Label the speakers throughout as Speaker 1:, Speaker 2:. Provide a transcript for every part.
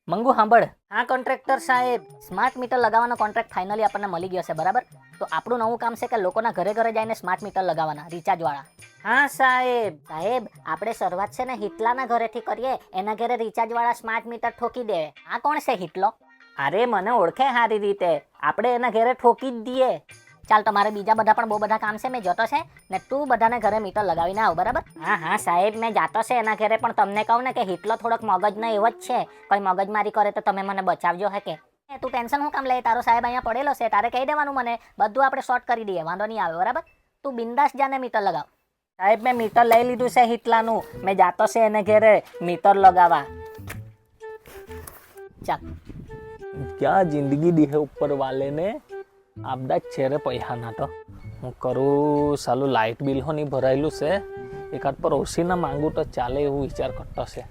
Speaker 1: મંગુ સાંભળ. હા કોન્ટ્રાક્ટર સાહેબ, સ્માર્ટ મીટર લગાવવાનો કોન્ટ્રાક્ટ ફાઇનલી આપણને મળી ગયો છે, બરાબર? તો આપણું નવું કામ છે કે લોકોના ઘરે ઘરે જઈને સ્માર્ટ મીટર લગાવવાના, રિચાર્જ વાળા. હા સાહેબ. સાહેબ, આપણે શરૂઆત છે ને હિટલાના ઘરેથી કરીએ. એના ઘરે રિચાર્જ વાળા સ્માર્ટ મીટર ઠોકી દે. આ કોણ છે હિટલો? અરે મને ઓળખે સારી રીતે, આપણે એના ઘરે ઠોકી જ દઈએ. ચાલ, તમારે બીજા બધા પણ બહુ બધા કામ છે, મેં જોતો છે ને. તું બધાને ઘરે મીટર લગાવીને આવ, બરાબર? હા હા સાહેબ, મેં જાતો છે એના ઘરે, પણ તમને કહું ને કે હિટલો થોડોક મગજનો એવો જ છે. કોઈ મગજમારી કરે તો તમે મને બચાવજો હે કે. તું ટેન્શન શું કામ લે? તારો સાહેબ અહીંયા પડેલો છે, તારે કહી દેવાનું મને, બધું આપણે શોર્ટ કરી દઈએ, વાંધો નહીં આવે, બરાબર? તું બિંદાસ જાને મીટર લગાવ. સાહેબ, મેં મીટર લઈ લીધું છે હિટલાનું, મેં જાતો છે એને ઘરે મીટર લગાવવા. ચાલ.
Speaker 2: क्या जिंदगी दी है ऊपर वाले ने, આપદા જ છે રે પૈસા ના તો. હું કરું સાલું, લાઇટ બિલ હો નહીં ભરાયેલું છે, એકાદ પર ઓછી ના માંગુ તો ચાલે એવું વિચાર કરતો છે.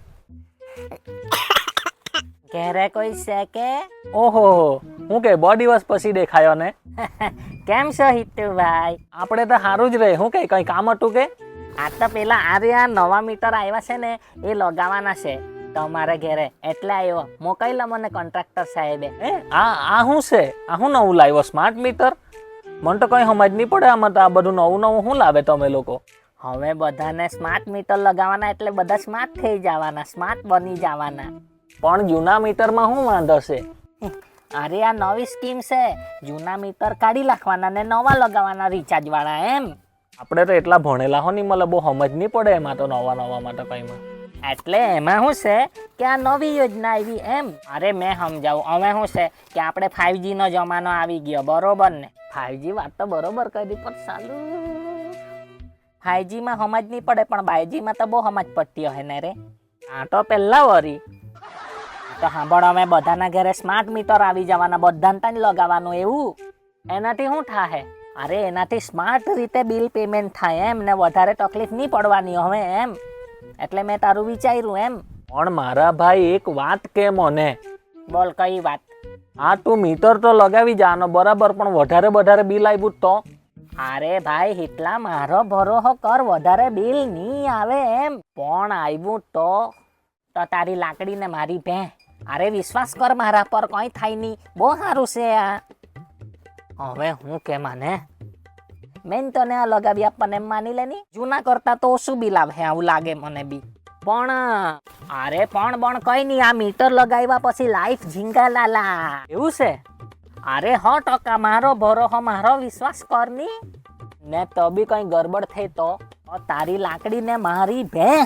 Speaker 1: ઘરે કોઈ છે કે?
Speaker 2: ઓહો, હું કે બહુ દિવસ પછી દેખાયો ને.
Speaker 1: કેમ છો હિતુભાઈ?
Speaker 2: આપણે તો સારું જ રહે. હું કે કઈ કામ હતું કે?
Speaker 1: આ તો પેલા આ નવા મીટર આવ્યા છે ને, એ લગાવવાના છે તમારે ઘરે, એટલે આવ્યો. મોકલ્યો મને કોન્ટ્રાક્ટર સાહેબે.
Speaker 2: આ શું છે? આ શું નવું લાવ્યો સ્માર્ટ મીટર? મને તો કઈ સમજ નહીં પડે આમાં. તો આ બધું નવું નવું શું લાવે તમે લોકો?
Speaker 1: હવે બધાને સ્માર્ટ મીટર લગાવવાના એટલે બધા સ્માર્ટ થઈ જવાના, સ્માર્ટ બની જવાના.
Speaker 2: પણ જૂના મીટરમાં શું વાંધો છે?
Speaker 1: અરે આ નવી સ્કીમ છે, જૂના મીટર કાઢી નાખવાના ને નવા લગાવવાના રિચાર્જ વાળા, એમ.
Speaker 2: આપણે તો એટલા ભણેલા હો નહીં, મને બહુ સમજ નહીં પડે એમાં તો, નવા માટે કઈમાં.
Speaker 1: એટલે એમાં શું છે કે આ નવી યોજના આવી, એમ. અરે મેં સમજાવું. હવે શું છે કે આપણે 5G નો જમાનો આવી ગયો, બરોબર ને? 5G વાત તો બરોબર કરી, પણ સાલું 5G માં સમજ નહીં પડે, પણ 5G માં તો બહુ સમજ પડતી હોય ને રે. આ તો પહેલા વરી તો સાંભળ, અમે બધાના ઘરે સ્માર્ટ મીટર આવી જવાના, બધાને ત્યાં લગાવવાનું. એવું એનાથી શું થાય? અરે એનાથી સ્માર્ટ રીતે બિલ પેમેન્ટ થાય, એમ. ને વધારે તકલીફ નહીં પડવાની હવે, એમ. એટલે મેં તારું વિચાર્યું, એમ.
Speaker 2: પણ મારા ભાઈ એક વાત કે મને.
Speaker 1: બોલ, કઈ વાત?
Speaker 2: હા, તું મીટર તો લગાવી જાનો બરાબર, પણ વધારે બિલ આવ્યું તો?
Speaker 1: અરે ભાઈ હિટલા, મારો ભરોસો કર, વધારે બિલ નહીં આવે, એમ. પણ આવ્યું તો તારી લાકડી ને મારી ભેં. અરે વિશ્વાસ કર મારા પર, કઈ થાય નહીં, બહુ સારું છે આ. હવે હું કે માને મેન તને આ લગાવી આપવાને એમ માની લેની, જૂના કરતા તો ઓછું બિલ આવે, આવું લાગે મને બી. પણ અરે પણ કઈ નહીં, આ મીટર લગાવ્યા પછી લાઈફ ઝીંગા લાલા.
Speaker 2: એવું છે?
Speaker 1: અરે 100% મારો ભરોસો, મારો વિશ્વાસ કર ની. ને તો બી કઈ ગડબડ થઈ તો તારી લાકડી ને મારી ભેં.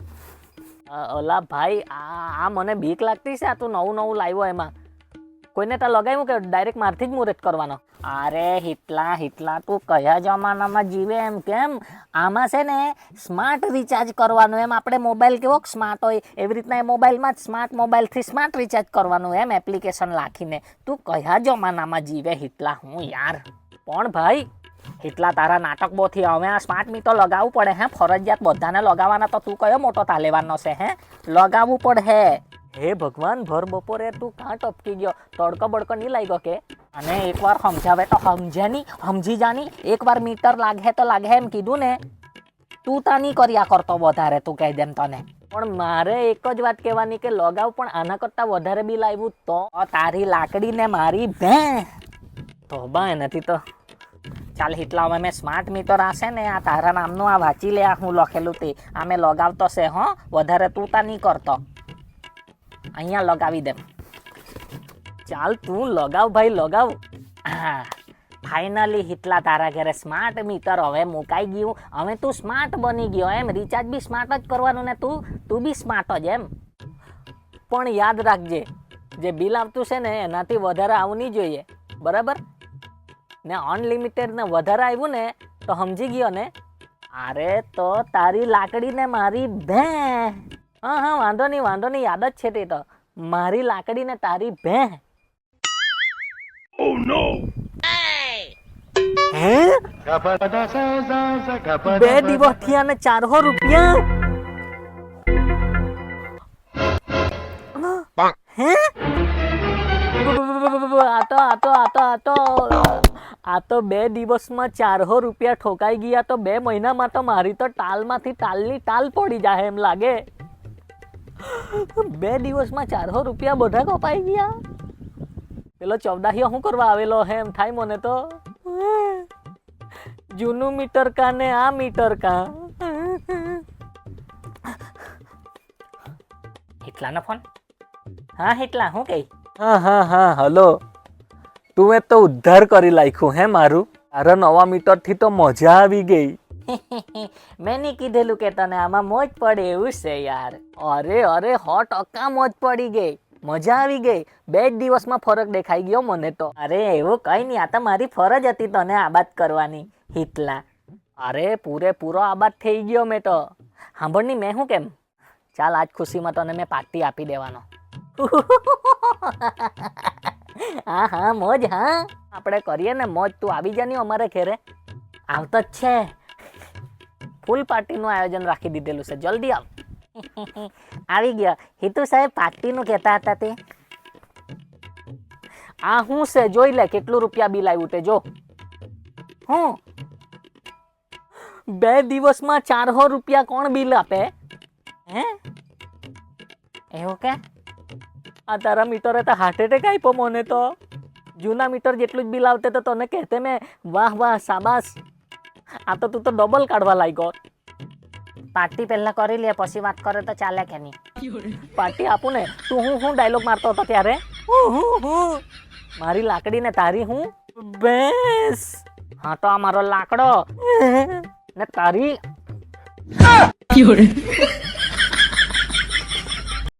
Speaker 2: ઓલા ભાઈ, આ મને બીક લાગતી છે. આ તું નવું લાવ્યો, એમાં કોઈને તો લગાવ્યું કે ડાયરેક્ટ મારથી જ મુહૂર્ત કરવાનો?
Speaker 1: અરે હિટલા તું કયા જમાનામાં જીવે એમ? કેમ આમાં છે ને સ્માર્ટ રિચાર્જ કરવાનું, એમ. આપણે મોબાઈલ કેવો સ્માર્ટ હોય એવી રીતના એ મોબાઈલમાં જ સ્માર્ટ મોબાઈલથી સ્માર્ટ રિચાર્જ કરવાનું, એમ. એપ્લિકેશન રાખીને. તું કયા જમાનામાં જીવે હિટલા? હું યાર.
Speaker 2: પણ ભાઈ
Speaker 1: હિટલા, તારા નાટક બહુ થી. હવે આ સ્માર્ટ મીટર લગાવવું પડે, હે? ફરજિયાત બધાને લગાવવાના. તો તું કયો મોટો તાલેવાનો છે, હે? લગાવવું પડે.
Speaker 2: હે ભગવાન, ભર બપોરે તું કાં ટપકી ગયો? તડકો બડકો નહીં લાગ્યો કે?
Speaker 1: અને એકવાર સમજાવે તો સમજે નહીં, સમજી જાની. એકવાર મીટર લાગે તો લાગે, એમ કીધું ને. તું તા નહીં કર્યા કરતો વધારે, તું કહી દેમ તને.
Speaker 2: પણ મારે એક જ વાત કહેવાની કે લગાવ, પણ આના કરતાં વધારે બિલ આવ્યું તો?
Speaker 1: તારી લાકડી ને મારી ભેં.
Speaker 2: તો બા એનાથી તો
Speaker 1: ચાલ હિટલા, હવે મેં સ્માર્ટ મીટર આશે ને, આ તારા નામનું આ વાંચી લે, આ હું લખેલું તે. આ મેં લગાવતો છે, હો. વધારે તું તા નહીં કરતો. અહીંયા લગાવી દે.
Speaker 2: ચાલ તું લગાવ ભાઈ, લગાવ.
Speaker 1: હા, ફાઇનલી હિટલા, તારા ઘરે સ્માર્ટ મીટર હવે મુકાઈ ગયું. હવે તું સ્માર્ટ બની ગયો, એમ. રિચાર્જ બી સ્માર્ટ જ કરવાનું ને, તું બી સ્માર્ટ જ, એમ.
Speaker 2: પણ યાદ રાખજે, જે બિલ આવતું છે ને એનાથી વધારે આવવું નહીં જોઈએ, બરાબર ને? અનલિમિટેડ ને વધારે આવ્યું ને તો સમજી ગયો ને?
Speaker 1: અરે તો તારી લાકડી ને મારી ભેં.
Speaker 2: હા, વાંધો નહીં, યાદ જ છે તે તો. મારી લાકડી ને તારી ભેં.
Speaker 1: Oh no!
Speaker 2: હે? 2 દિવસ થયા ને 400 રૂપિયા? હે? આ તો 2 દિવસમાં 400 રૂપિયા ઠોકાઈ ગયા. તો 2 મહિનામાં તો મારી તો ટાલમાંથી ટાલની ટાલ પડી જાય એમ લાગે. 2 દિવસમાં 400 રૂપિયા બધા કપાઈ ગયા. પેલો ચૌદાહીઓ શું કરવા આવેલો હે એમ થાય મને તો. જૂનું મીટર કા ને આ મીટર કા.
Speaker 1: હિટલાનો ફોન. હા હિટલા, હું કહી?
Speaker 2: હા હલો. તું તો ઉદ્ધાર કરી નાખ્યું હે મારું. તારા નવા મીટર થી તો મજા આવી ગઈ.
Speaker 1: મેં નહીં કીધેલું કે તને આમાં મોજ પડે એવું છે યાર.
Speaker 2: અરે 100% મોજ પડી ગઈ. મજા આવી ગઈ. 2 જ દિવસમાં ફરક દેખાઈ ગયો મને તો.
Speaker 1: અરે એવું કઈ નહીં, આ તો મારી ફરજ હતી તને આબાદ કરવાની હિટલા.
Speaker 2: અરે પૂરેપૂરો આબાદ થઈ ગયો મેં તો.
Speaker 1: સાંભળની મેં શું કેમ,
Speaker 2: ચાલ આજ ખુશીમાં તને મેં પાર્ટી આપી દેવાનો.
Speaker 1: હા મોજ. હા
Speaker 2: આપણે કરીએ ને મોજ. તું આવી જા ને અમારે ઘરે.
Speaker 1: આવતો જ છે.
Speaker 2: ફૂલ પાર્ટીનું આયોજન રાખી દીધેલું છે, જલ્દી આવ.
Speaker 1: આવી ગયો. હિતુ સાહેબ પાર્ટીનું કહેતા હતા તે.
Speaker 2: આ શું છે જોઈ લે, કેટલું રૂપિયા બિલ આવ્યું તે જો.
Speaker 1: હું
Speaker 2: 2 દિવસમાં 400 રૂપિયા કોણ બિલ આપે?
Speaker 1: હે એવું કે?
Speaker 2: આ તારા મીટરે તો હાર્ટ એટેક આપ્યો મને તો. જૂના મીટર જેટલું જ બિલ આવતે તો તને કહેતે મેં વાહ શાબાશ. આ તો તું તો ડબલ કાઢવા લાગ્યો.
Speaker 1: પાર્ટી પહેલા કરી લે પછી વાત કરે તો ચાલે કે નહીં?
Speaker 2: પાર્ટી આપું ને. તું હું ડાયલોગ મારતો હતો ત્યારે? મારી લાકડી ને તારી હું ભેંસ.
Speaker 1: હા તો આ મારો લાકડો
Speaker 2: ને તારી